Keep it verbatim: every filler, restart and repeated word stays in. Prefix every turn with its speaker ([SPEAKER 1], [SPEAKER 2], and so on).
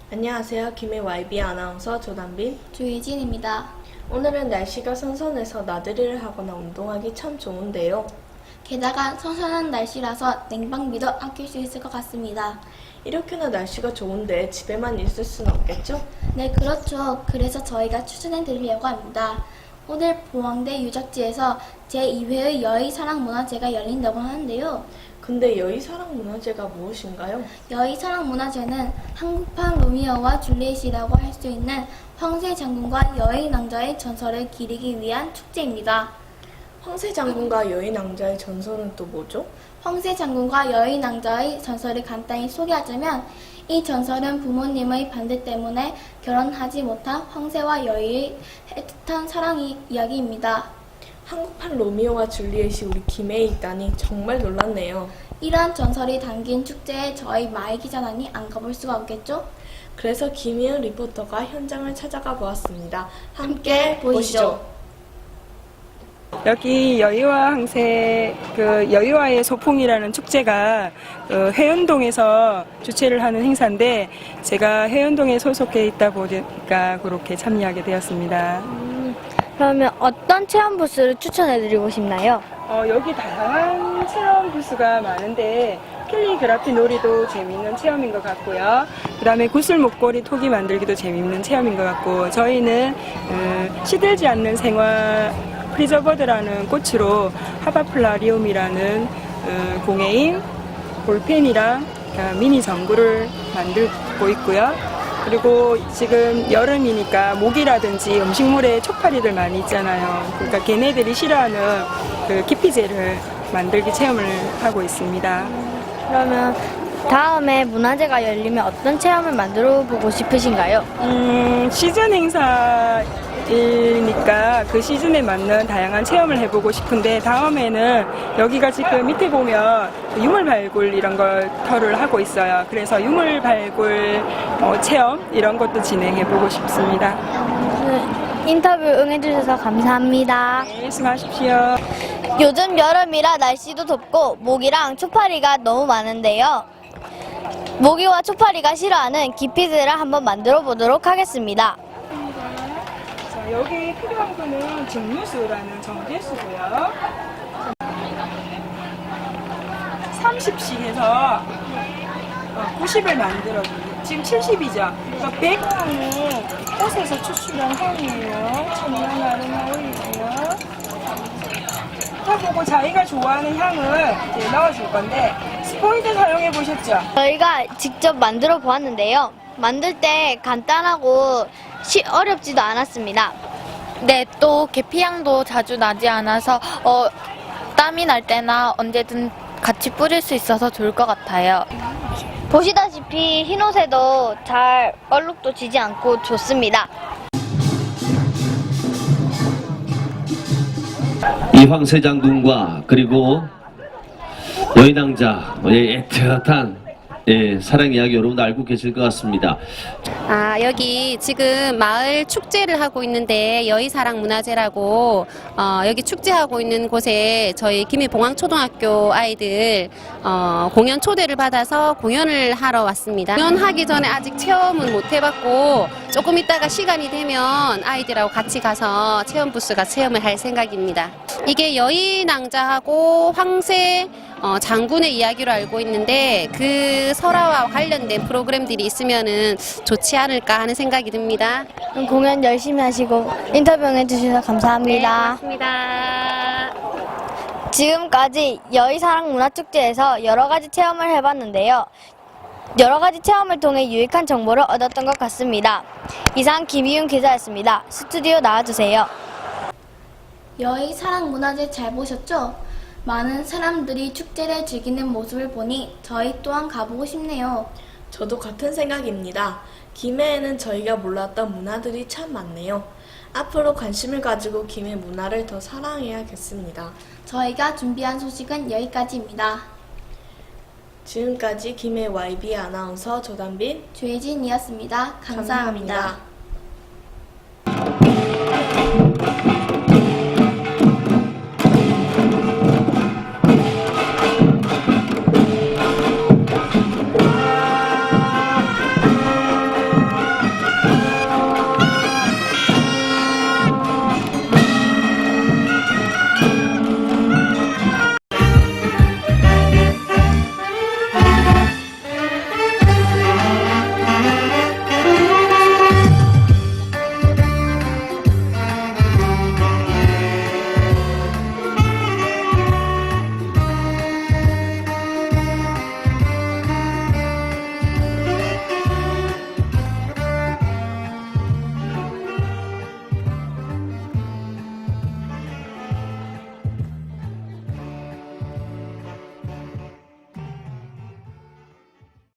[SPEAKER 1] 안녕하세요. 김해 와이비 아나운서 조단빈,
[SPEAKER 2] 조예진입니다.
[SPEAKER 1] 오늘은 날씨가 선선해서 나들이를 하거나 운동하기 참 좋은데요.
[SPEAKER 2] 게다가 선선한 날씨라서 냉방비도 아낄 수 있을 것 같습니다.
[SPEAKER 1] 이렇게나 날씨가 좋은데 집에만 있을 순 없겠죠?
[SPEAKER 2] 네, 그렇죠. 그래서 저희가 추천해 드리려고 합니다. 오늘 봉황대 유적지에서 제이 회의 여의사랑문화제가 열린다고 하는데요.
[SPEAKER 1] 근데 여의사랑문화제가 무엇인가요?
[SPEAKER 2] 여의사랑문화제는 한국판 로미오와 줄리엣이라고 할 수 있는 황새 장군과 여의 낭자의 전설을 기리기 위한 축제입니다.
[SPEAKER 1] 황새 장군과 여의 낭자의 전설은 또 뭐죠?
[SPEAKER 2] 황새 장군과 여의 낭자의 전설을 간단히 소개하자면 이 전설은 부모님의 반대 때문에 결혼하지 못한 황새와 여의의 애틋한 사랑 이야기입니다.
[SPEAKER 1] 한국판 로미오와 줄리엣이 우리 김해에 있다니 정말 놀랐네요.
[SPEAKER 2] 이러한 전설이 담긴 축제에 저희 마이 기자단이 안 가볼 수가 없겠죠?
[SPEAKER 1] 그래서 김희은 리포터가 현장을 찾아가 보았습니다.
[SPEAKER 2] 함께
[SPEAKER 1] 함께
[SPEAKER 2] 보시죠.
[SPEAKER 1] 보시죠.
[SPEAKER 3] 여기 여의와 항새 그 여의와의 소풍이라는 축제가 그 해운동에서 주최를 하는 행사인데 제가 해운동에 소속해 있다 보니까 그렇게 참여하게 되었습니다.
[SPEAKER 4] 음, 그러면 어떤 체험 부스를 추천해드리고 싶나요?
[SPEAKER 3] 어, 여기 다양한 체험 부스가 많은데 캘리그라피 놀이도 재미있는 체험인 것 같고요. 그 다음에 구슬 목걸이 토기 만들기도 재미있는 체험인 것 같고 저희는 음, 시들지 않는 생활 프리저버드라는 꽃으로 하바플라리움이라는 음, 공예인 볼펜이랑 미니 전구를 만들고 있고요. 그리고 지금 여름이니까 모기라든지 음식물에 촉파리들 많이 있잖아요. 그러니까 걔네들이 싫어하는 그 기피제를 만들기 체험을 하고 있습니다.
[SPEAKER 4] 그러면 다음에 문화제가 열리면 어떤 체험을 만들어 보고 싶으신가요?
[SPEAKER 3] 음, 시즌 행사이니까 그 시즌에 맞는 다양한 체험을 해보고 싶은데 다음에는 여기가 지금 밑에 보면 유물 발굴 이런 걸 터를 하고 있어요. 그래서 유물 발굴 어, 체험 이런 것도 진행해보고 싶습니다.
[SPEAKER 4] 네, 인터뷰 응해주셔서 감사합니다.
[SPEAKER 3] 네, 수고하십시오.
[SPEAKER 4] 요즘 여름이라 날씨도 덥고 모기랑 초파리가 너무 많은데요. 모기와 초파리가 싫어하는 기피제를 한번 만들어 보도록 하겠습니다.
[SPEAKER 3] 자, 여기 필요한 거는 증류수라는 정제수고요. 삼십씩 해서 구십을 만들어줘요. 지금 칠십이죠. 그러니까 백향은 꽃에서 추출한 향이에요. 천연 아로마오일이고요. 보고 자기가 좋아하는 향을 이제 넣어줄 건데 스포이드 사용해 보셨죠?
[SPEAKER 4] 저희가 직접 만들어 보았는데요. 만들 때 간단하고 시, 어렵지도 않았습니다.
[SPEAKER 5] 네, 또 계피향도 자주 나지 않아서 어, 땀이 날 때나 언제든 같이 뿌릴 수 있어서 좋을 것 같아요.
[SPEAKER 4] 보시다시피 흰옷에도 잘 얼룩도 지지 않고 좋습니다.
[SPEAKER 6] 이 황새 장군과 그리고 여인왕자의 애틋한 예, 사랑 이야기 여러분도 알고 계실 것 같습니다.
[SPEAKER 7] 아, 여기 지금 마을 축제를 하고 있는데 여의사랑문화제라고 어, 여기 축제하고 있는 곳에 저희 김해봉황초등학교 아이들 어, 공연 초대를 받아서 공연을 하러 왔습니다. 공연하기 전에 아직 체험은 못 해봤고 조금 있다가 시간이 되면 아이들하고 같이 가서 체험 부스가 체험을 할 생각입니다. 이게 여의낭자하고 황새 어, 장군의 이야기로 알고 있는데 그 설화와 관련된 프로그램들이 있으면은 좋지 않을까 하는 생각이 듭니다.
[SPEAKER 4] 그럼 공연 열심히 하시고 인터뷰 해주셔서 감사합니다.
[SPEAKER 7] 네, 고맙습니다.
[SPEAKER 4] 지금까지 여의사랑문화축제에서 여러 가지 체험을 해봤는데요. 여러 가지 체험을 통해 유익한 정보를 얻었던 것 같습니다. 이상 김희윤 기자였습니다. 스튜디오 나와주세요.
[SPEAKER 2] 여의 사랑문화제 잘 보셨죠? 많은 사람들이 축제를 즐기는 모습을 보니 저희 또한 가보고 싶네요.
[SPEAKER 1] 저도 같은 생각입니다. 김해에는 저희가 몰랐던 문화들이 참 많네요. 앞으로 관심을 가지고 김해 문화를 더 사랑해야겠습니다.
[SPEAKER 2] 저희가 준비한 소식은 여기까지입니다.
[SPEAKER 1] 지금까지 김해 와이비 아나운서 조단빈
[SPEAKER 2] 조혜진이었습니다. 감사합니다.
[SPEAKER 1] 감사합니다.